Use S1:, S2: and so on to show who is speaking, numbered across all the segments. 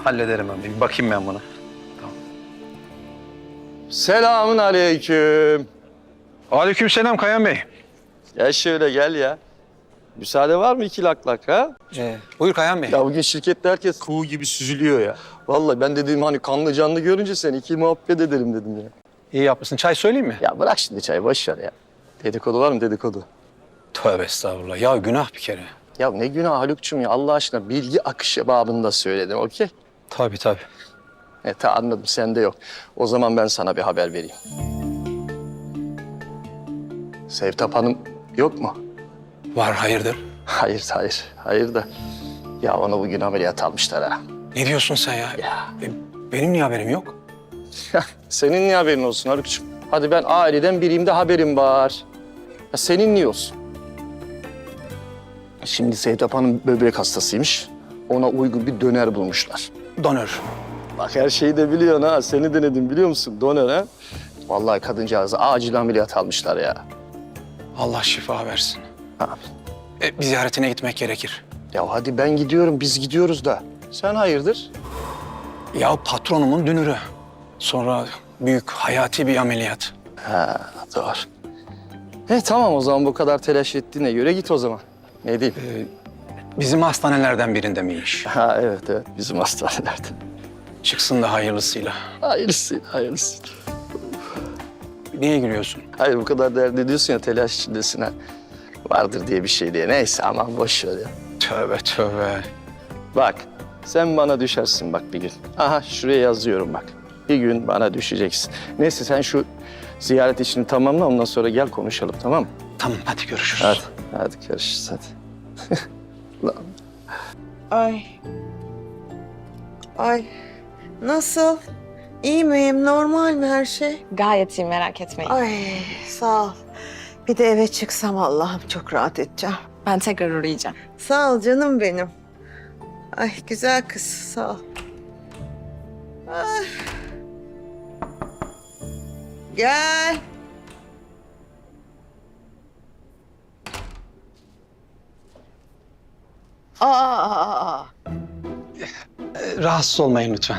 S1: Hallederim ben. Bir bakayım ben buna.
S2: Selamun aleyküm.
S1: Aleykümselam Kayan Bey.
S2: Gel şöyle gel ya. Müsaade var mı 2 lak ha?
S1: Buyur Kayan Bey.
S2: Ya bugün şirkette herkes kuğu gibi süzülüyor ya. Vallahi ben dedim hani kanlı canlı görünce seni 2 muhabbet edelim dedim ya.
S1: İyi yapmışsın. Çay söyleyeyim mi?
S2: Ya bırak şimdi çayı boş ver ya. Dedikodu var mı dedikodu?
S1: Tövbe estağfurullah. Ya günah bir kere.
S2: Ya ne günah Haluk'cum ya Allah aşkına bilgi akışı babında söyledim okey?
S1: Tabii tabii.
S2: Anladım sende yok. O zaman ben sana bir haber vereyim. Sevtap Hanım yok mu?
S1: Var hayırdır?
S2: Hayır da. Ya onu bugün ameliyat almışlar ha.
S1: Ne diyorsun sen ya? Benim niye haberim yok?
S2: Senin niye haberin olsun Haluk'cum? Hadi ben aileden biriyim de haberim var. Ya senin niye olsun? Şimdi Sevtap Hanım böbrek hastasıymış. Ona uygun bir döner bulmuşlar.
S1: Donör.
S2: Bak her şeyi de biliyorsun ha. Seni denedim biliyor musun? Döner ha. Vallahi kadıncağızı acil ameliyat almışlar ya.
S1: Allah şifa versin.
S2: Ha.
S1: Bir ziyaretine gitmek gerekir.
S2: Ya hadi ben gidiyorum, biz gidiyoruz da. Sen hayırdır?
S1: Ya patronumun dünürü. Sonra büyük hayati bir ameliyat.
S2: Ha doğru. Tamam o zaman bu kadar telaş ettiğine göre git o zaman. Ne diyeyim?
S1: Bizim hastanelerden birinde mi iş?
S2: Ha evet bizim hastanelerde.
S1: Çıksın da hayırlısıyla.
S2: Hayırlısı.
S1: Niye gülüyorsun?
S2: Hayır bu kadar dert ediyorsun ya telaş içindesin ha. Vardır diye bir şey diye. Neyse aman boş ver ya.
S1: Tövbe tövbe.
S2: Bak sen bana düşersin bak bir gün. Aha şuraya yazıyorum bak. Bir gün bana düşeceksin. Neyse sen şu ziyaret işini tamamla ondan sonra gel konuşalım tamam mı?
S1: Tamam hadi görüşürüz.
S2: Hadi görüşürüz hadi. Lan.
S3: Ay. Nasıl? İyi miyim? Normal mi her şey?
S4: Gayet iyi, merak etmeyin.
S3: Ay sağ ol. Bir de eve çıksam Allah'ım çok rahat edeceğim.
S4: Ben tekrar uğrayacağım.
S3: Sağ ol canım benim. Ay güzel kız sağ ol. Ay. Gel. Aa.
S1: Rahatsız olmayın lütfen.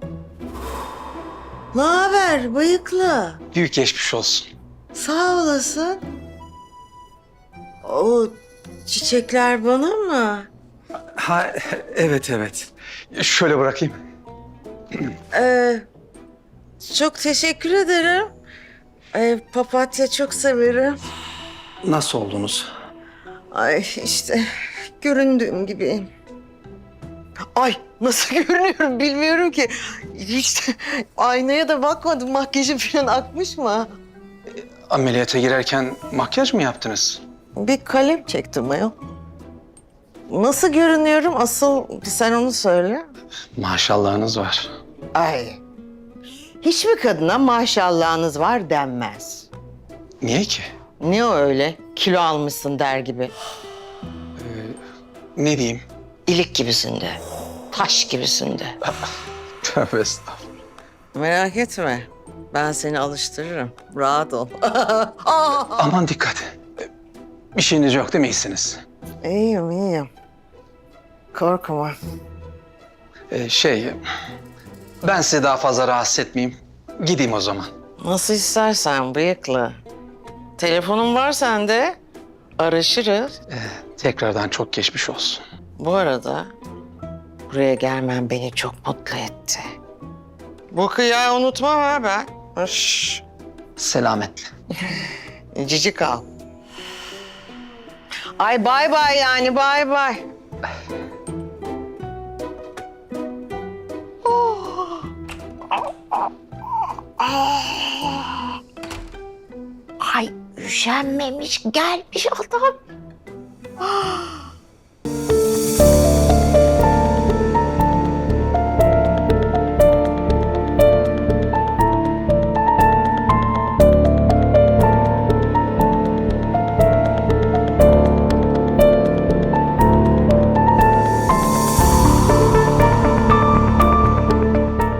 S3: Ne haber bıyıklı?
S1: Büyük geçmiş olsun.
S3: Sağ olasın. O çiçekler bana mı?
S1: Ha evet. Şöyle bırakayım.
S3: Çok teşekkür ederim. Papatya çok severim.
S1: Nasıl oldunuz?
S3: Ay işte göründüğüm gibiyim. Ay nasıl görünüyorum bilmiyorum ki. Hiç aynaya da bakmadım. Makyajım falan akmış mı?
S1: Ameliyata girerken makyaj mı yaptınız?
S3: Bir kalem çektim ayol. Nasıl görünüyorum? Asıl sen onu söyle.
S1: Maşallahınız var.
S3: Ay. Hiçbir kadına maşallahınız var denmez.
S1: Niye ki?
S3: Ne o öyle? Kilo almışsın der gibi.
S1: Ne diyeyim?
S3: İlik gibisin de. Taş gibisin de.
S1: Tövbe estağfurullah.
S3: Merak etme. Ben seni alıştırırım. Rahat ol.
S1: Aman dikkat. Bir şeyiniz yok değil mi? İyisiniz?
S3: İyiyim. Korkma.
S1: Ben sizi daha fazla rahatsız etmeyeyim. Gideyim o zaman.
S3: Nasıl istersen bıyıklı. Telefonum var sende. Araşırız.
S1: Tekrardan çok geçmiş olsun.
S3: Bu arada buraya gelmen beni çok mutlu etti. Bu kıyağı unutmam ha ben. Şşş.
S1: Selametle.
S3: Cici kal. Ay bay bay yani bay bay. Ay üşenmemiş gelmiş adam.